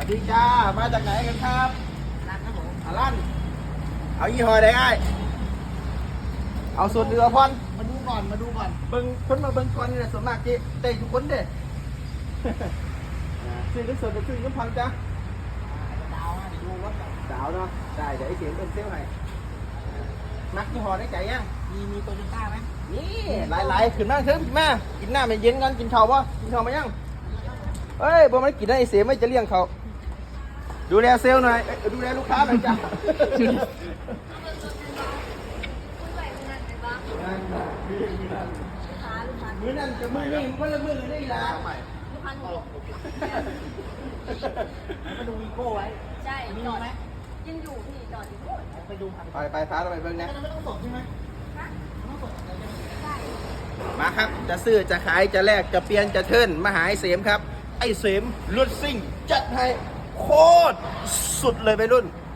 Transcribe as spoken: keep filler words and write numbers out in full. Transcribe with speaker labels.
Speaker 1: สดีจ้ามาจากไหนกันครับร้านครับผมอาลั่นเอายี่ห้อใดไอ้เอาส่วนเรือพอนมาดูก่อนมาดูก่อนเบิ้งคนมาเบิ้งก่อนนี่แหละส่วนมากจีเตะทุกคนเด้ ซื้อหรือส่วนจะซื้อน้ำพันจ้ะดาวนะดูรถดาวเนาะได้เดี๋ยวไอ้เสียงเอ็นเซลให้มักยี่ห้อได้ใจยังมีมีโตโยต้าไหมนี่หลายๆขึ้นมาเถอะมากินหน้ามันเย็นกันกินข้าวป่ะกินข้าวมายังเอ้ยบ่มันกินได้ไอ้เสียไม่จะเลี้ยงเขาดูแลเซลล์หน่อยดูแลลูกค้าหน่อยจ้ะมือนั่นจะมือนี่มันละมือได้ละลูกค้าหนูมาดูวีโก้ไว้
Speaker 2: ใช่
Speaker 1: มีไหม
Speaker 2: ยังอยู่พี่จอดอยู่
Speaker 1: ไปดูไปไปพาเราไปเบิ่งนะไม่ต้องสดใช่ไหมมาครับจะซื้อจะขายจะแลกจะเปลี่ยนจะเทิร์นมาหาไอ้เสมครับไอ้เสมรถซิ่งจัดให้โคตรสุดเลยไปรุ่น